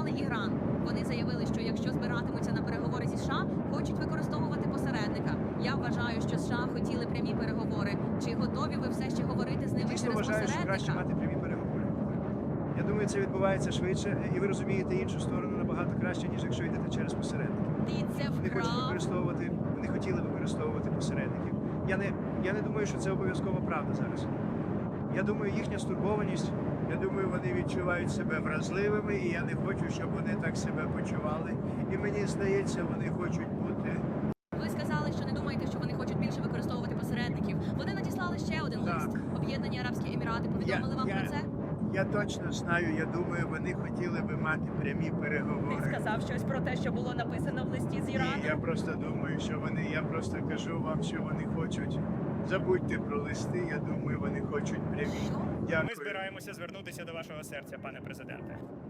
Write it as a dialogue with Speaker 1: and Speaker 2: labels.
Speaker 1: згадали Іран. Вони заявили, що якщо збиратимуться на переговори зі США, хочуть використовувати посередника. Я вважаю, що США хотіли прямі переговори. Чи готові ви все ще говорити з ними
Speaker 2: Дійсно
Speaker 1: через
Speaker 2: вважаю, що краще
Speaker 1: посередника?
Speaker 2: мати прямі переговори. Я думаю, це відбувається швидше, і ви розумієте іншу сторону набагато краще, ніж якщо йдете через посередників.
Speaker 1: Ти це
Speaker 2: Вони хочуть
Speaker 1: вкрав.
Speaker 2: використовувати, вони хотіли використовувати посередників. Я не думаю, що це обов'язкова правда зараз. Я думаю, їхня стурбованість.
Speaker 3: Я думаю, вони відчувають себе вразливими, і я не хочу, щоб вони так себе почували. І мені здається, вони хочуть бути.
Speaker 1: Ви сказали, що не думаєте, що вони хочуть більше використовувати посередників. Вони надіслали ще один
Speaker 3: Так.
Speaker 1: лист. Об'єднані Арабські Емірати повідомили вам про це?
Speaker 3: Я точно знаю, я думаю, вони хотіли би мати прямі
Speaker 4: Ти
Speaker 3: переговори.
Speaker 4: сказав щось про те, що було написано в листі з
Speaker 3: Ні,
Speaker 4: Ірану?
Speaker 3: я просто думаю, що вони, я просто кажу вам, що вони хочуть. Забудьте про листи, я думаю, вони хочуть прямі.
Speaker 1: Що?
Speaker 3: Дякую.
Speaker 5: Ми збираємося звернутися до вашого серця, пане президенте.